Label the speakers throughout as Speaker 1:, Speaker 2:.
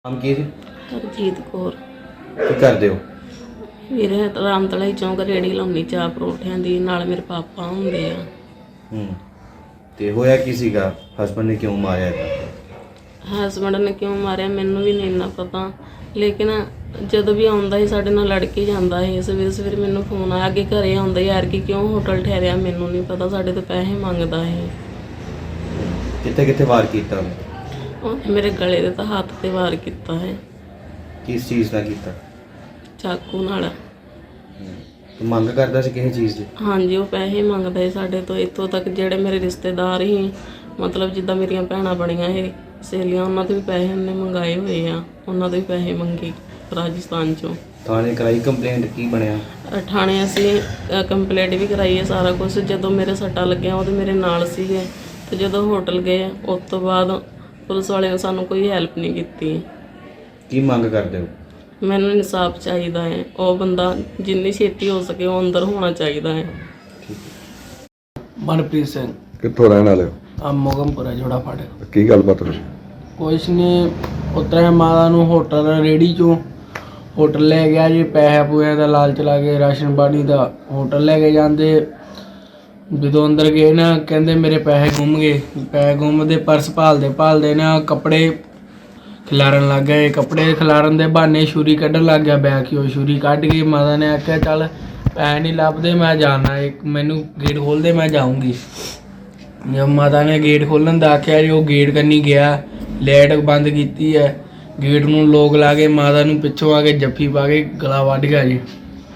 Speaker 1: ਨਾਮ ਕੀ ਜੀ?
Speaker 2: ਹਰਜੀਤ ਕੌਰ।
Speaker 1: ਕੀ ਕਰਦੇ ਹੋ?
Speaker 2: ਵੀਰੇ ਰਾਮਤਲਾ ਚੌਂਕ ਰੇੜੀ ਲਾਉਣੀ ਚਾਹ ਪਰੌਂਠਿਆਂ ਦੀ, ਨਾਲ ਮੇਰੇ ਪਾਪਾ ਹੁੰਦੇ ਆ।
Speaker 1: ਤੇ ਹੋਇਆ ਕੀ ਸੀਗਾ? ਹਸਬੰਡ ਨੇ ਕਿਉਂ ਮਾਰਿਆ ਇਹਦਾ?
Speaker 2: ਹਸਬੈਂਡ ਨੇ ਕਿਉਂ ਮਾਰਿਆ ਮੈਨੂੰ ਵੀ ਨਹੀਂ ਇੰਨਾ ਪਤਾ, ਲੇਕਿਨ ਜਦੋਂ ਵੀ ਆਉਂਦਾ ਸੀ ਸਾਡੇ ਨਾਲ ਲੜ ਕੇ ਜਾਂਦਾ ਸੀ। ਸਵੇਰੇ ਸਵੇਰੇ ਮੈਨੂੰ ਫੋਨ ਆਇਆ ਕਿ ਘਰੇ ਆਉਂਦਾ ਯਾਰ ਕਿ ਕਿਉਂ ਹੋਟਲ ਠਹਿਰਿਆ, ਮੈਨੂੰ ਨਹੀਂ ਪਤਾ, ਸਾਡੇ ਤੋਂ ਪੈਸੇ ਮੰਗਦਾ ਸੀ।
Speaker 1: ਕਿੱਥੇ ਕਿੱਥੇ ਵਾਰ ਕੀਤਾ ਉਹਨੇ?
Speaker 2: ਉਹਨੇ ਮੇਰੇ ਗਲੇ ਦੇ ਤਾਂ ਹੱਥ ਤੇ ਵਾਰ ਕੀਤਾ ਹੈ,
Speaker 1: ਕਿਸ ਚੀਜ਼ ਦਾ ਕੀਤਾ?
Speaker 2: ਚਾਕੂ ਨਾਲ।
Speaker 1: ਤੂੰ ਮੰਗ ਕਰਦਾ ਸੀ ਕਿਸੇ ਚੀਜ਼ ਦੀ?
Speaker 2: ਹਾਂਜੀ, ਉਹ ਪੈਸੇ ਮੰਗਦਾ ਸੀ ਸਾਡੇ ਤੋਂ। ਇੱਥੋਂ ਤੱਕ ਜਿਹੜੇ ਮੇਰੇ ਰਿਸ਼ਤੇਦਾਰ ਸੀ, ਮਤਲਬ ਜਿੱਦਾਂ ਮੇਰੀਆਂ ਭੈਣਾਂ ਬਣੀਆਂ ਸੀ, ਸਹੇਲੀਆਂ, ਉਹਨਾਂ ਤੋਂ ਵੀ ਪੈਸੇ ਉਹਨੇ ਮੰਗਾਏ ਹੋਏ ਆ। ਉਹਨਾਂ ਤੋਂ ਵੀ ਪੈਸੇ ਮੰਗੇ ਰਾਜਸਥਾਨ ਚੋਂ।
Speaker 1: ਥਾਣੇ ਕਰਾਈ ਕੰਪਲੇਂਟ? ਕੀ ਬਣਿਆ?
Speaker 2: ਥਾਣੇ ਅਸੀਂ ਕੰਪਲੇਂਟ ਵੀ ਕਰਾਈ ਹੈ, ਸਾਰਾ ਕੁਝ। ਜਦੋਂ ਮੇਰੇ ਸੱਟਾਂ ਲੱਗੀਆਂ ਉਹਦੇ ਮੇਰੇ ਨਾਲ ਸੀਗੇ, ਤੇ ਜਦੋਂ ਹੋਟਲ ਗਏ ਉਸ ਤੋਂ ਬਾਅਦ ਪੁਲਿਸ ਵਾਲਿਆਂ ਨੇ ਸਾਨੂੰ ਕੋਈ ਹੈਲਪ ਨਹੀਂ ਕੀਤੀ।
Speaker 1: ਕੀ ਮੰਗ ਕਰਦੇ ਹੋ?
Speaker 2: ਮੈਨੂੰ ਇਨਸਾਫ ਚਾਹੀਦਾ ਹੈ। ਉਹ ਬੰਦਾ ਜਿੰਨੀ ਛੇਤੀ ਹੋ ਸਕੇ ਉਹ ਅੰਦਰ ਹੋਣਾ ਚਾਹੀਦਾ ਹੈ।
Speaker 3: ਮਨਪ੍ਰੀਤ ਸਿੰਘ।
Speaker 4: ਕਿੱਥੋਂ ਰਹਿਣ ਵਾਲੇ ਹੋ?
Speaker 3: ਆ ਮੋਗਮਪੁਰਾ ਜੋੜਾ ਫੜ।
Speaker 4: ਕੀ ਗੱਲਬਾਤ ਹੋਈ?
Speaker 3: ਕੁਛ ਨਹੀਂ, ਉਤਰਿਆ ਮਾਤਾ ਨੂੰ ਹੋਟਲ ਰੇੜੀ ਚੋਂ ਹੋਟਲ ਲੈ ਗਿਆ ਜੀ। ਪੈਸੇ ਪੂਏ ਦਾ ਲਾਲਚ ਲਾ ਕੇ ਰਾਸ਼ਨ ਪਾਣੀ ਦਾ ਹੋਟਲ ਲੈ ਕੇ ਜਾਂਦੇ। ਜਦੋਂ ਅੰਦਰ ਗਏ ਨਾ, ਕਹਿੰਦੇ ਮੇਰੇ ਪੈਸੇ ਗੁੰਮ ਗਏ। ਪੈਸੇ ਗੁੰਮਦੇ, ਪਰਸ ਭਾਲਦੇ ਨਾ ਕੱਪੜੇ ਖਿਲਾਰਨ ਲੱਗ ਗਏ। ਕੱਪੜੇ ਖਿਲਾਰਨ ਦੇ ਬਹਾਨੇ ਛੁਰੀ ਕੱਢਣ ਲੱਗ ਗਿਆ ਬੈਗ ਚੋਂ। ਛੁਰੀ ਕੱਢ ਕੇ ਮਾਤਾ ਨੇ ਆਖਿਆ ਚੱਲ ਪੈਸੇ ਨਹੀਂ ਲੱਭਦੇ, ਮੈਂ ਜਾਣਾ, ਇੱਕ ਮੈਨੂੰ ਗੇਟ ਖੋਲ੍ਹ ਦੇ, ਮੈਂ ਜਾਊਂਗੀ। ਜਦ ਮਾਤਾ ਨੇ ਗੇਟ ਖੋਲ੍ਹਣ ਦਾ ਆਖਿਆ ਜੀ, ਉਹ ਗੇਟ ਕੰਨੀ ਗਿਆ, ਲਾਈਟ ਬੰਦ ਕੀਤੀ ਹੈ, ਗੇਟ ਨੂੰ ਲੋਕ ਲਾ ਕੇ ਮਾਤਾ ਨੂੰ ਪਿੱਛੋਂ ਆ ਕੇ ਜੱਫੀ ਪਾ ਕੇ ਗਲਾ ਵੱਢ ਗਿਆ ਜੀ।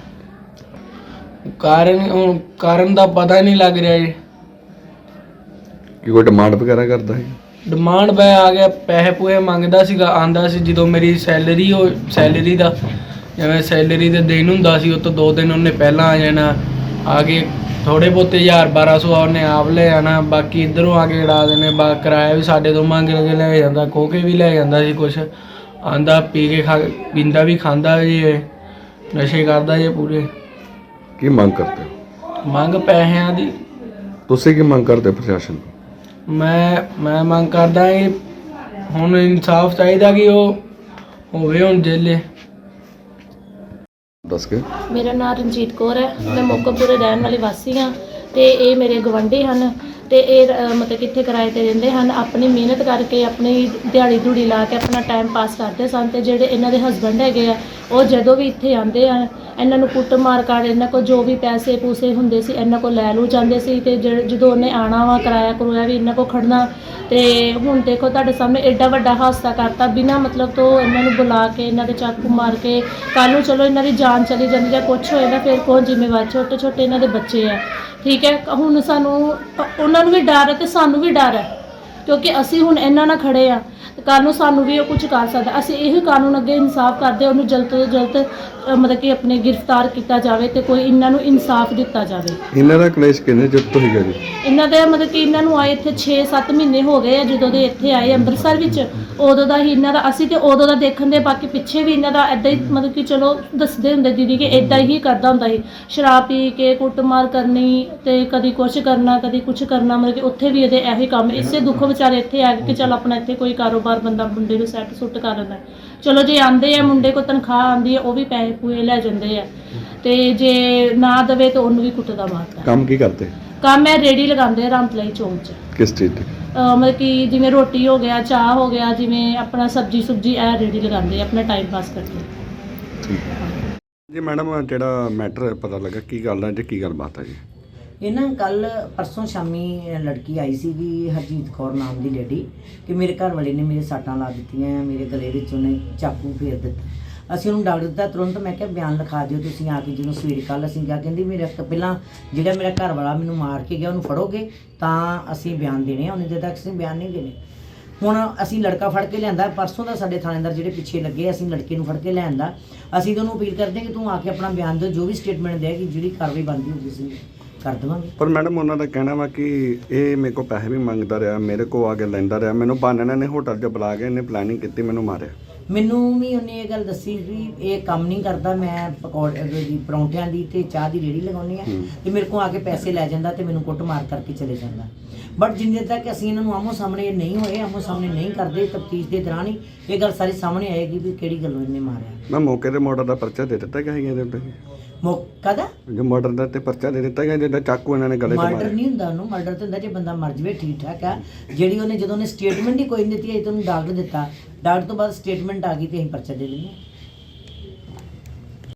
Speaker 3: ਕਾਰਨ ਦਾ ਪਤਾ ਨਹੀਂ ਲੱਗ ਰਿਹਾ ਜੀ।
Speaker 4: ਕੀ ਕੋਈ ਡਿਮਾਂਡ ਵਗੈਰਾ ਕਰਦਾ ਹੈ?
Speaker 3: ਡਿਮਾਂਡ ਬੈ ਆ ਗਿਆ, ਪੈਸੇ ਪੂਏ ਮੰਗਦਾ ਸੀਗਾ। ਆਂਦਾ ਸੀ ਜਦੋਂ ਮੇਰੀ ਸੈਲਰੀ ਦਾ ਜਿਵੇਂ ਸੈਲਰੀ ਦੇ ਦਿਨ ਹੁੰਦਾ ਸੀ, ਉਹ ਤੋਂ 2 ਦਿਨ ਉਹਨੇ ਪਹਿਲਾਂ ਆ ਜਾਣਾ। ਆ ਕੇ ਥੋੜ੍ਹੇ ਬਹੁਤੇ 1000-1200 ਉਹਨੇ ਆਪ ਲੈ ਜਾਣਾ, ਬਾਕੀ ਇੱਧਰੋਂ ਆ ਕੇ ਉਡਾ ਦੇਣੇ। ਕਿਰਾਇਆ ਵੀ ਸਾਡੇ ਤੋਂ ਮੰਗ ਕੇ ਲੈ ਜਾਂਦਾ, ਖੋਹ ਕੇ ਵੀ ਲੈ ਜਾਂਦਾ ਸੀ ਕੁਛ। ਆਂਦਾ ਪੀ ਕੇ ਪੀਂਦਾ ਵੀ, ਖਾਂਦਾ ਜੀ, ਨਸ਼ੇ ਕਰਦਾ ਜੇ ਪੂਰੇ।
Speaker 4: ਕੀ ਮੰਗ ਕਰਦੇ ਹੋ?
Speaker 3: ਮੰਗ ਪੈਸਿਆਂ ਦੀ।
Speaker 4: ਤੁਸੀਂ ਕੀ ਮੰਗ ਕਰਦੇ ਪ੍ਰਸ਼ਾਸਨ ਤੋਂ?
Speaker 3: ਮੈਂ ਮੰਗ ਕਰਦਾ ਕਿ ਹੁਣ ਇਨਸਾਫ ਚਾਹੀਦਾ ਕਿ ਉਹ ਹੋਵੇ ਹੁਣ ਜੇਲੇ।
Speaker 4: ਦੱਸ ਕੇ।
Speaker 5: ਮੇਰਾ ਨਾਮ ਰਣਜੀਤ ਕੌਰ ਹੈ। ਮੈਂ ਮੋਗਮਪੁਰੇ ਰਹਿਣ ਵਾਲੀ ਵਾਸੀ ਹਾਂ, ਤੇ ਇਹ ਮੇਰੇ ਗਵਾਂਢੀ ਹਨ। ਤੇ ਇਹ ਮਤਲਬ ਕਿੱਥੇ ਕਿਰਾਏ ਤੇ ਰਹਿੰਦੇ ਹਨ। ਆਪਣੀ ਮਿਹਨਤ ਕਰਕੇ, ਆਪਣੀ ਦਿਹਾੜੀ ਧੂੜੀ ਲਾ ਕੇ ਆਪਣਾ ਟਾਈਮ ਪਾਸ ਕਰਦੇ ਸਨ। ਤੇ ਜਿਹੜੇ ਇਹਨਾਂ ਦੇ ਹਸਬੈਂਡ ਹੈਗੇ ਆ, ਉਹ ਜਦੋਂ ਵੀ ਇੱਥੇ ਆਉਂਦੇ ਆ, ਇਹਨਾਂ ਨੂੰ ਕੁੱਟ ਮਾਰ ਕਰ, ਇਹਨਾਂ ਕੋਲ ਜੋ ਵੀ ਪੈਸੇ ਪੂਸੇ ਹੁੰਦੇ ਸੀ ਇਹਨਾਂ ਕੋਲ ਲੈ ਲੂ ਜਾਂਦੇ ਸੀ। ਤੇ ਜਦੋਂ ਉਹਨੇ ਆਉਣਾ ਵਾ, ਕਿਰਾਇਆ ਕਰੂਆ ਵੀ ਇਹਨਾਂ ਕੋਲ ਖੜਨਾ। ਤੇ ਹੁਣ ਦੇਖੋ ਤੁਹਾਡੇ ਸਾਹਮਣੇ ਐਡਾ ਵੱਡਾ ਹਾਦਸਾ ਕਰਤਾ ਬਿਨਾਂ ਮਤਲਬ ਤੋਂ। ਇਹਨਾਂ ਨੂੰ ਬੁਲਾ ਕੇ, ਇਹਨਾਂ ਦੇ ਚਾਕੂ ਮਾਰ ਕੇ, ਕੱਲ੍ਹ ਨੂੰ ਚਲੋ ਇਹਨਾਂ ਦੀ ਜਾਨ ਚਲੀ ਜਾਂਦੀ ਜਾਂ ਕੁਛ ਹੋਏਗਾ, ਫਿਰ ਕੌਣ ਜ਼ਿੰਮੇਵਾਰ? ਛੋਟੇ ਛੋਟੇ ਇਹਨਾਂ ਦੇ ਬੱਚੇ ਆ, ਠੀਕ ਹੈ। ਹੁਣ ਸਾਨੂੰ ਉਹਨਾਂ ਨੂੰ ਵੀ ਡਰ ਹੈ ਤੇ ਸਾਨੂੰ ਵੀ ਡਰ ਹੈ, ਕਿਉਂਕਿ ਅਸੀਂ ਹੁਣ ਇਹਨਾਂ ਨਾਲ ਖੜੇ ਆ। ਕੱਲ੍ਹ ਨੂੰ ਸਾਨੂੰ ਵੀ ਉਹ ਕੁਝ ਕਰ ਸਕਦਾ। ਅਸੀਂ ਇਹੀ ਕਾਨੂੰਨ ਅੱਗੇ ਇਨਸਾਫ ਕਰਦੇ, ਉਹਨੂੰ ਜਲਦ ਤੋਂ ਜਲਦ ਮਤਲਬ ਕਿ ਆਪਣੇ ਗ੍ਰਿਫਤਾਰ ਕੀਤਾ ਜਾਵੇ ਤੇ ਕੋਈ ਇਹਨਾਂ ਨੂੰ ਇਨਸਾਫ ਦਿੱਤਾ ਜਾਵੇ।
Speaker 4: ਇਹਨਾਂ ਦਾ ਕਲੇਸ਼ ਕਿੰਨੇ ਚਿਰ ਤੋਂ ਸੀਗਾ ਜੀ?
Speaker 5: ਇਹਨਾਂ ਦੇ ਮਤਲਬ ਕਿ ਇਹਨਾਂ ਨੂੰ ਆਏ ਇੱਥੇ 6-7 ਮਹੀਨੇ ਹੋ ਗਏ ਆ। ਜਦੋਂ ਦੇ ਇੱਥੇ ਆਏ ਅੰਮ੍ਰਿਤਸਰ ਵਿੱਚ, ਉਦੋਂ ਦਾ ਹੀ ਇਹਨਾਂ ਦਾ ਅਸੀਂ ਤੇ ਉਦੋਂ ਦਾ ਦੇਖਣ ਦੇ। ਬਾਕੀ ਪਿੱਛੇ ਵੀ ਇਹਨਾਂ ਦਾ ਇੱਦਾਂ ਹੀ ਮਤਲਬ ਕਿ ਚਲੋ ਦੱਸਦੇ ਹੁੰਦੇ ਦੀਦੀ ਕਿ ਇੱਦਾਂ ਹੀ ਕਰਦਾ ਹੁੰਦਾ ਸੀ। ਸ਼ਰਾਬ ਪੀ ਕੇ ਕੁੱਟਮਾਰ ਕਰਨੀ ਤੇ ਕਦੀ ਕੁਛ ਕਰਨਾ, ਕਦੀ ਕੁਛ ਕਰਨਾ। ਮਤਲਬ ਕਿ ਉੱਥੇ ਵੀ ਇਹਦੇ ਇਹੀ ਕੰਮ, ਇਸੇ ਦੁੱਖ ਵਿਚਾਰੇ ਇੱਥੇ ਆ ਕੇ ਚੱਲ ਆਪਣਾ ਇੱਥੇ ਕੋਈ ਕਾਰੋਬਾਰ ਬੰਦਾ ਮੁੰਡੇ ਨੂੰ ਸੈੱਟ ਸੁੱਟ ਕਰ ਲੈਂਦਾ। ਚਲੋ ਜੇ ਆਉਂਦੇ ਆ, ਮੁੰਡੇ ਕੋਲ ਤਨਖਾਹ ਆਉਂਦੀ ਹੈ, ਉਹ ਵੀ ਪੈਸੇ ਪੂਏ ਲੈ ਜਾਂਦੇ ਆ। ਤੇ ਜੇ ਨਾ ਦੇਵੇ ਤਾਂ ਉਹਨੂੰ ਵੀ ਕੁੱਟਦਾ ਮਾਰਦਾ।
Speaker 4: ਕੰਮ ਕੀ ਕਰਦੇ?
Speaker 5: ਕੰਮ ਹੈ ਰੇੜੀ ਲਗਾਉਂਦੇ ਆ ਰਾਮਤਲਾਈ ਚੌਂਕ 'ਚ।
Speaker 4: ਕਿਸ ਚੀਜ਼ ਦੀ?
Speaker 5: ਮਤਲਬ ਕਿ ਜਿਵੇਂ ਰੋਟੀ ਹੋ ਗਿਆ, ਚਾਹ ਹੋ ਗਿਆ, ਜਿਵੇਂ ਆਪਣਾ ਸਬਜ਼ੀ ਸੁਬਜੀ ਇਹ ਰੇੜੀ ਲਗਾਉਂਦੇ ਆ ਆਪਣਾ ਟਾਈਮ ਪਾਸ ਕਰਕੇ।
Speaker 4: ਠੀਕ ਜੀ। ਮੈਡਮ, ਜਿਹੜਾ ਮੈਟਰ ਪਤਾ ਲੱਗਾ, ਕੀ ਗੱਲ ਹੈ ਜੀ, ਕੀ ਗੱਲਬਾਤ ਹੈ ਜੀ?
Speaker 6: ਇਹ ਨਾ ਪਰਸੋਂ ਸ਼ਾਮੀ ਲੜਕੀ ਆਈ ਸੀਗੀ, ਹਰਜੀਤ ਕੌਰ ਨਾਮ ਦੀ ਲੇਡੀ, ਕਿ ਮੇਰੇ ਘਰ ਵਾਲੇ ਨੇ ਮੇਰੇ ਸੱਟਾਂ ਲਾ ਦਿੱਤੀਆਂ, ਮੇਰੇ ਗਲੇ ਵਿੱਚ ਉਹਨੇ ਚਾਕੂ ਫੇਰ ਦਿੱਤਾ। ਅਸੀਂ ਉਹਨੂੰ ਡਾਕਟਰ ਦਿੱਤਾ ਤੁਰੰਤ। ਮੈਂ ਕਿਹਾ ਬਿਆਨ ਲਿਖਾ ਦਿਓ ਤੁਸੀਂ ਆ ਕੇ। ਜਦੋਂ ਸਵੇਰੇ ਕੱਲ੍ਹ ਅਸੀਂ ਕਿਹਾ, ਕਹਿੰਦੀ ਮੇਰਾ ਪਹਿਲਾਂ ਜਿਹੜਾ ਮੇਰਾ ਘਰ ਵਾਲਾ ਮੈਨੂੰ ਮਾਰ ਕੇ ਗਿਆ ਉਹਨੂੰ ਫੜੋਗੇ ਤਾਂ ਅਸੀਂ ਬਿਆਨ ਦੇਣੇ ਆ, ਉਹਨੇ ਦੇ ਤੱਕ ਅਸੀਂ ਬਿਆਨ ਨਹੀਂ ਦੇਣੇ। ਹੁਣ ਅਸੀਂ ਲੜਕਾ ਫੜ ਕੇ ਲਿਆਂਦਾ ਪਰਸੋਂ ਦਾ। ਸਾਡੇ ਥਾਣੇਦਾਰ ਜਿਹੜੇ ਪਿੱਛੇ ਲੱਗੇ, ਅਸੀਂ ਲੜਕੇ ਨੂੰ ਫੜ ਕੇ ਲਿਆਂਦਾ। ਅਸੀਂ ਤੁਹਾਨੂੰ ਅਪੀਲ ਕਰਦੇ ਕਿ ਤੂੰ ਆ ਕੇ ਆਪਣਾ ਬਿਆਨ ਦਿਓ, ਜੋ ਵੀ ਸਟੇਟਮੈਂਟ ਦੇਗੀ, ਜਿਹੜੀ ਕਾਰਵਾਈ ਬਣਦੀ ਹੋਊਗੀ ਅਸੀਂ ਕਰ ਦੇਵਾਂਗੇ।
Speaker 4: ਪਰ ਮੈਡਮ, ਉਹਨਾਂ ਦਾ ਕਹਿਣਾ ਵਾ ਕਿ ਇਹ ਮੇਰੇ ਕੋਲ ਪੈਸੇ ਵੀ ਮੰਗਦਾ ਰਿਹਾ, ਮੇਰੇ ਕੋਲ ਆ ਕੇ ਲੈਂਦਾ ਰਿਹਾ, ਮੈਨੂੰ ਬਹਾਨੇ ਨੇ ਹੋਟਲ 'ਚ ਬੁਲਾ ਕੇ ਇਹਨੇ ਪਲੈਨਿੰਗ ਕੀਤੀ, ਮੈਨੂੰ ਮਾਰਿਆ।
Speaker 6: ਮੈਨੂੰ ਵੀ ਉਹਨੇ ਇਹ ਗੱਲ ਦੱਸੀ ਵੀ ਇਹ ਕੰਮ ਨਹੀਂ ਕਰਦਾ, ਮੈਂ ਪਰੌਂਠਿਆਂ ਦੀ ਤੇ ਚਾਹ ਦੀ ਰੇਹੜੀ ਲਗਾਉਂਦੀ ਆ, ਤੇ ਮੇਰੇ ਕੋਲ ਆ ਕੇ ਪੈਸੇ ਲੈ ਜਾਂਦਾ ਤੇ ਮੈਨੂੰ ਕੁੱਟ ਮਾਰ ਕਰਕੇ ਚਲੇ ਜਾਂਦਾ। ਬਟ ਜਿੰਨੇ ਤੱਕ ਅਸੀਂ ਇਹਨਾਂ ਨੂੰ ਆਮੋ ਸਾਹਮਣੇ ਨਹੀਂ ਹੋਏ, ਆਮੋ ਸਾਹਮਣੇ ਨਹੀਂ ਕਰਦੇ, ਤਫਤੀਸ਼ ਦੇ ਦੌਰਾਨ ਹੀ ਇਹ ਗੱਲ ਸਾਰੀ ਸਾਹਮਣੇ ਆਏਗੀ ਵੀ ਕਿਹੜੀ ਗੱਲੋਂ ਇਹਨੇ ਮਾਰਿਆ।
Speaker 4: ਮੈਂ ਮੌਕੇ ਤੇ ਮਰਡਰ ਦਾ ਪਰਚਾ ਦੇ ਦਿੱਤਾ ਗਿਆ ਇਹਦੇ ਉੱਤੇ,
Speaker 6: ਮੌਕਾ ਦਾ
Speaker 4: ਜੋ ਮਰਡਰ ਦਾ ਤੇ ਪਰਚਾ ਦੇ ਦਿੱਤਾ ਗਿਆ ਜਿਹਦਾ ਚਾਕੂ ਇਹਨਾਂ ਨੇ ਗਲੇ ਤੇ
Speaker 6: ਮਰਡਰ
Speaker 4: ਮਾਰਿਆ।
Speaker 6: ਨਹੀਂ ਹੁੰਦਾ, ਉਹਨੂੰ ਮਰਡਰ ਤੇ ਹੁੰਦਾ ਜੇ ਬੰਦਾ ਮਰ ਜਵੇ, ਠੀਕ ਠਾਕ ਆ। ਜਿਹੜੀ ਉਹਨੇ ਜਦੋਂ ਉਹਨੇ ਸਟੇਟਮੈਂਟ ਹੀ ਕੋਈ ਨਹੀਂ ਦਿੱਤੀ, ਅਜੇ ਤੁਹਾਨੂੰ ਡਾਕਟਰ ਦਿੱਤਾ, ਡਾਕਟਰ ਤੋਂ ਬਾਅਦ ਸਟੇਟਮੈਂਟ ਆ ਗਈ ਤੇ ਅਸੀਂ ਪਰਚਾ ਦੇ ਦਿੰਦੇ ਹਾਂ।